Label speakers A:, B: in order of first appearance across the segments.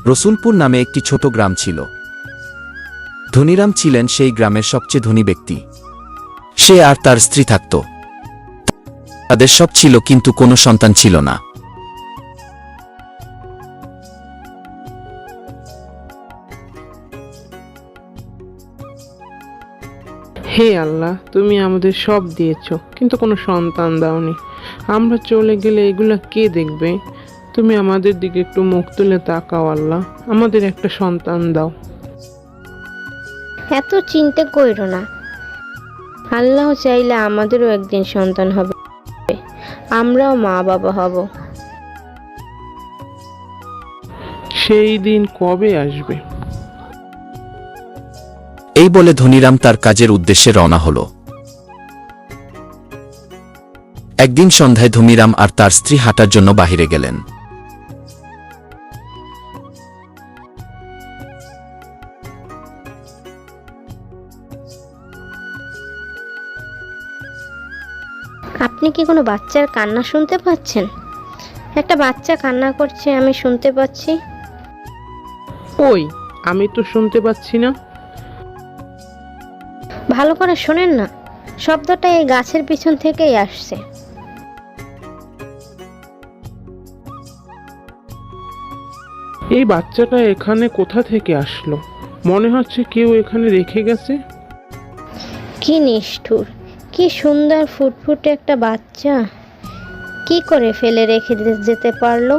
A: রসুলপুর নামে একটি ছোট গ্রাম ছিল। ধনীরাম ছিলেন সেই গ্রামের সবচেয়ে ধনী ব্যক্তি। সে আর তার স্ত্রী থাকত। তাদের সব ছিল, কিন্তু কোনো সন্তান ছিল না।
B: হে আল্লাহ, তুমি আমাদের সব দিয়েছো, কিন্তু কোনো সন্তান দাওনি। আমরা চলে গেলে এগুলা কে দেখবে? তুমি আমাদের দিকে একটু মুখ তুলে তাকাও আল্লাহ, আমাদের একটা সন্তান দাও।
C: এত চিন্তা কইরো না, আল্লাহ চাইলে আমাদেরও একদিন সন্তান হবে, আমরাও মা বাবা হব।
B: সেই দিন কবে আসবে?
A: এই বলে ধনীরাম তার কাজের উদ্দেশ্যে রওনা হল। একদিন সন্ধ্যায় ধনীরাম আর তার স্ত্রী হাঁটার জন্য বাহিরে গেলেন।
C: আপনি কি কোনো বাচ্চার কান্না শুনতে পাচ্ছেন? একটা বাচ্চা কান্না করছে, আমি শুনতে পাচ্ছি।
B: ওই, আমি তো শুনতে পাচ্ছি না।
C: ভালো করে শোনেন না, শব্দটা এই গাছের পিছন থেকেই আসছে।
B: এই বাচ্চাটা এখানে কোথা থেকে আসলো? মনে হচ্ছে কেউ এখানে রেখে গেছে।
C: কি নিষ্ঠুর, কি সুন্দর ফুটফুটে একটা বাচ্চা, কি করে ফেলে রেখে যেতে পারলো?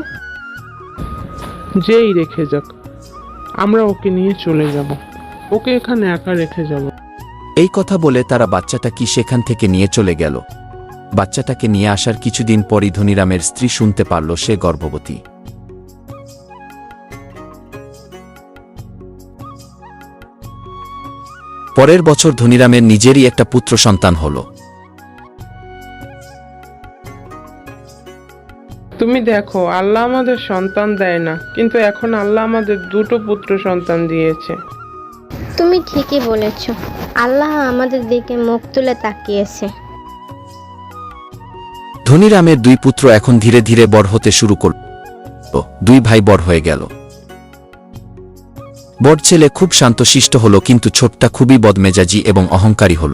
B: যেই রেখে যাক, আমরা ওকে নিয়ে চলে যাব। ওকে এখানে একা রেখে যাব।
A: এই কথা বলে তারা বাচ্চাটা কি সেখান থেকে নিয়ে চলে গেল। বাচ্চাটাকে নিয়ে আসার কিছুদিন পরই ধনীরামের স্ত্রী শুনতে পারল সে গর্ভবতী। পরের বছর ধনীরামের নিজেরই একটা পুত্র সন্তান হল।
B: তুমি দেখো, আল্লাহ আমাদের সন্তান দেয় না, কিন্তু এখন আল্লাহ আমাদের দুটো পুত্র সন্তান দিয়েছে।
C: তুমি ঠিকই বলেছ, আল্লাহ আমাদের দিকে মুখ তুলে তাকিয়েছে।
A: ধনীরামের দুই পুত্র এখন ধীরে ধীরে বড় হতে শুরু করল। দুই ভাই বড় হয়ে গেল। বড় ছেলে খুব শান্তশিষ্ট হল, কিন্তু ছোটটা খুবই বদমেজাজি এবং অহংকারী হল।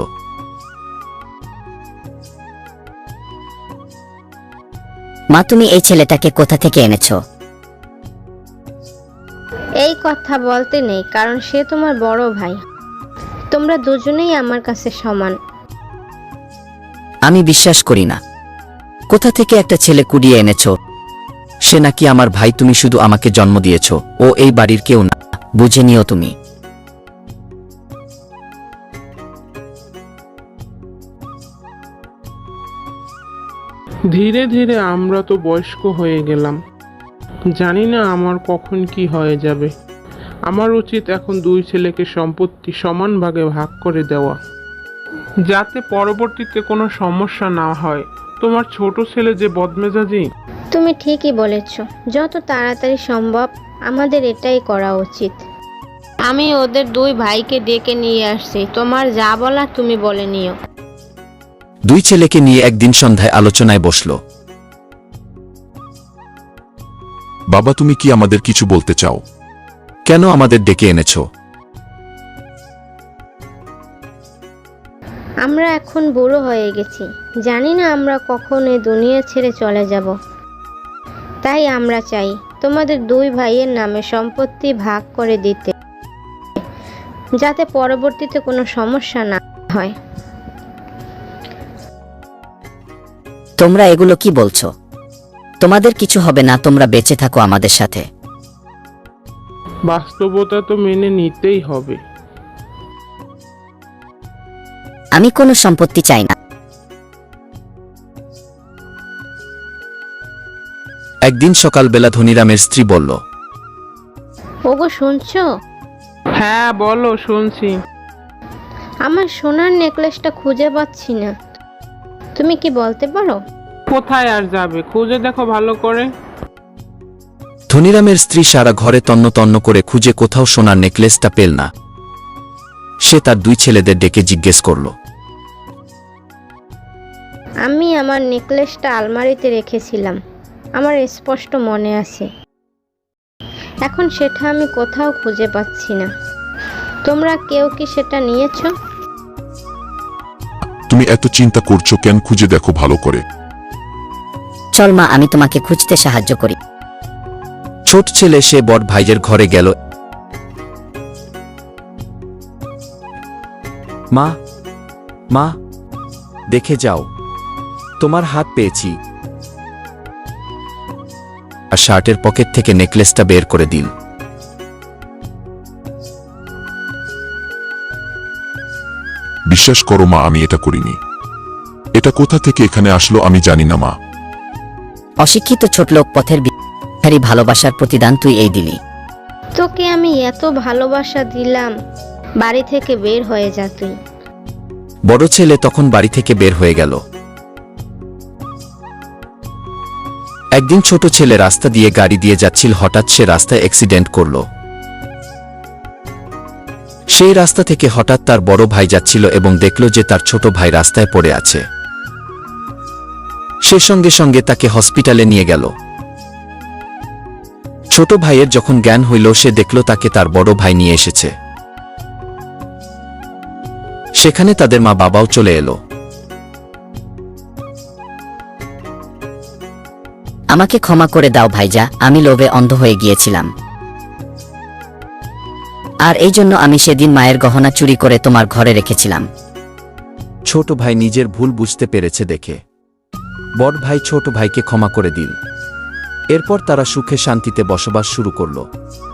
D: মা, তুমি এই ছেলেটাকে কোথা থেকে এনেছো?
C: এই কথা বলতে নেই, কারণ সে তোমার বড় ভাই। তোমরা দুজনেই আমার কাছে সমান।
D: আমি বিশ্বাস করি না। কোথা থেকে একটা ছেলে কুড়িয়ে এনেছো? সে নাকি আমার ভাই। তুমি শুধু আমাকে জন্ম দিয়েছো, ও এই বাড়ির কেউ না, বুঝে নিও তুমি।
B: ধীরে ধীরে আমরা তো বয়স্ক হয়ে গেলাম। জানি না আমার কখন কি হয়ে যাবে। আমার উচিত এখন দুই ছেলেকে সম্পত্তি সমান ভাগে ভাগ করে দেওয়া, যাতে পরবর্তীতে কোনো সমস্যা না হয়। তোমার ছোট ছেলে যে বদমেজাজি।
C: তুমি ঠিকই বলেছ, যত তাড়াতাড়ি সম্ভব আমাদের এটাই করা উচিত। আমি ওদের দুই ভাইকে ডেকে নিয়ে আসছি, তোমার যা বলা তুমি বলে নিও।
A: দুই ছেলেকে নিয়ে একদিন সন্ধ্যায় আলোচনায় বসল।
E: বাবা, তুমি কি আমাদের কিছু বলতে চাও?
A: কেন আমাদের ডেকে এনেছো?
C: আমরা এখন বুড়ো হয়ে গেছি, জানি না আমরা কখন এই দুনিয়া ছেড়ে চলে যাব। তাই আমরা চাই তোমাদের দুই ভাইয়ের নামে সম্পত্তি ভাগ করে দিতে, যাতে পরবর্তীতে কোনো সমস্যা না হয়।
D: তোমরা এগুলো কি বলছো? তোমাদের কিছু হবে না, তোমরা বেঁচে থাকো আমাদের সাথে।
B: বাস্তবতা তো মেনে নিতেই হবে।
D: আমি কোনো সম্পত্তি চাই না।
A: একদিন সকালবেলা ধনীরামের স্ত্রী বলল,
C: ওগো শুনছো?
B: হ্যাঁ বলো, শুনছি।
C: আমার সোনার নেকলেসটা খুঁজে পাচ্ছি না, তুমি কি বলতে পারো?
B: কোথায় আর যাবে, খুঁজে দেখো ভালো করে।
A: ধনীরামের স্ত্রী সারা ঘরে তন্ন তন্ন করে খুঁজে কোথাও সোনার নেকলেসটা পেল না। সে তার দুই ছেলেদের ডেকে জিজ্ঞেস করল,
C: আমি আমার নেকলেসটা আলমারিতে রেখেছিলাম, আমার স্পষ্ট মনে আছে। এখন সেটা আমি কোথাও খুঁজে পাচ্ছি না। তোমরা কেউ কি সেটা নিয়েছো?
E: তুমি এত চিন্তা করছো কেন? খুঁজে দেখো ভালো করে।
D: চল মা, আমি তোমাকে খুঁজতে সাহায্য করি।
A: ছোট ছেলে সে বড় ভাইয়ের ঘরে গেল। মা, মা, দেখে যাও, তোমার হাত পেয়েছি। আর শার্টের পকেট থেকে নেকলেসটা বের করে দিল।
E: বিশ্বাস করো মা, আমি এটা করিনি। এটা কোথা থেকে এখানে আসলো আমি জানি না মা।
D: অশিক্ষিত ছোটলোক পথের ভিখারি ভালোবাসার প্রতিদান তুই এই দিলি।
C: তোকে আমি এত ভালোবাসা দিলাম, বাড়ি থেকে বের হয়ে যা তুই।
A: বড় ছেলে তখন বাড়ি থেকে বের হয়ে গেল। একদিন ছোট ছেলে রাস্তা দিয়ে গাড়ি দিয়ে যাচ্ছিল, হঠাৎ সে রাস্তায় অ্যাক্সিডেন্ট করল। সেই রাস্তা থেকে হঠাৎ তার বড় ভাই যাচ্ছিল এবং দেখল যে তার ছোট ভাই রাস্তায় পড়ে আছে। সে সঙ্গে সঙ্গে তাকে হসপিটালে নিয়ে গেল। ছোট ভাইয়ের যখন জ্ঞান হইল, সে দেখল তাকে তার বড় ভাই নিয়ে এসেছে। সেখানে তাদের মা বাবাও চলে এলো।
D: আমাকে ক্ষমা করে দাও ভাইজা, আমি লোভে অন্ধ হয়ে গিয়েছিলাম। আর এই জন্য আমি সেদিন মায়ের গহনা চুরি করে তোমার ঘরে রেখেছিলাম।
A: ছোট ভাই নিজের ভুল বুঝতে পেরেছে দেখে বড় ভাই ছোট ভাইকে ক্ষমা করে দিল। এরপর তারা সুখে শান্তিতে বসবাস শুরু করল।